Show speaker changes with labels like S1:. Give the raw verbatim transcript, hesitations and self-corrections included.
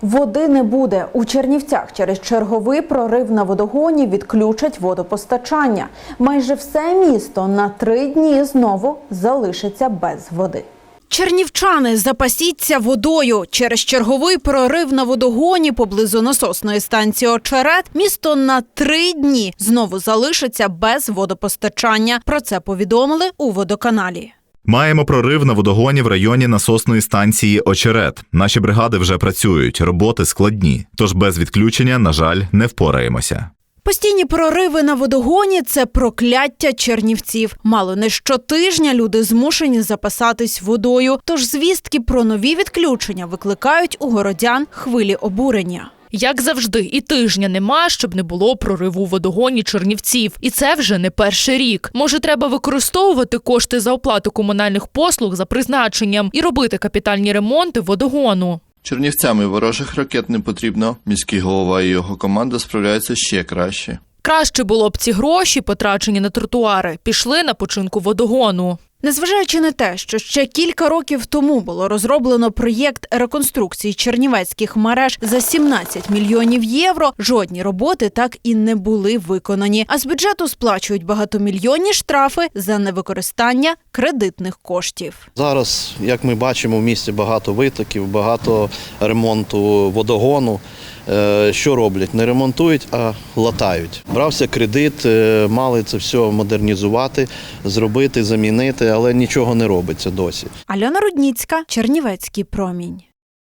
S1: Води не буде. У Чернівцях через черговий прорив на водогоні відключать водопостачання. Майже все місто на три дні знову залишиться без води.
S2: Чернівчани, запасіться водою. Через черговий прорив на водогоні поблизу насосної станції «Очерет» місто на три дні знову залишиться без водопостачання. Про це повідомили у водоканалі.
S3: Маємо прорив на водогоні в районі насосної станції «Очерет». Наші бригади вже працюють, роботи складні, тож без відключення, на жаль, не впораємося.
S2: Постійні прориви на водогоні – це прокляття чернівців. Мало не щотижня люди змушені запасатись водою, тож звістки про нові відключення викликають у городян хвилі обурення.
S4: Як завжди, і тижня нема, щоб не було прориву у водогоні чернівців. І це вже не перший рік. Може, треба використовувати кошти за оплату комунальних послуг за призначенням і робити капітальні ремонти водогону.
S5: Чернівцями ворожих ракет не потрібно. Міський голова і його команда справляються ще краще.
S4: Краще було б ці гроші, потрачені на тротуари, пішли на починку водогону.
S2: Незважаючи на те, що ще кілька років тому було розроблено проєкт реконструкції чернівецьких мереж за сімнадцять мільйонів євро, жодні роботи так і не були виконані. А з бюджету сплачують багатомільйонні штрафи за невикористання кредитних коштів.
S6: Зараз, як ми бачимо, в місті багато витоків, багато ремонту водогону. Що роблять? Не ремонтують, а латають. Брався кредит, мали це все модернізувати, зробити, замінити, але нічого не робиться досі.
S2: Альона Рудніцька, Чернівецький промінь.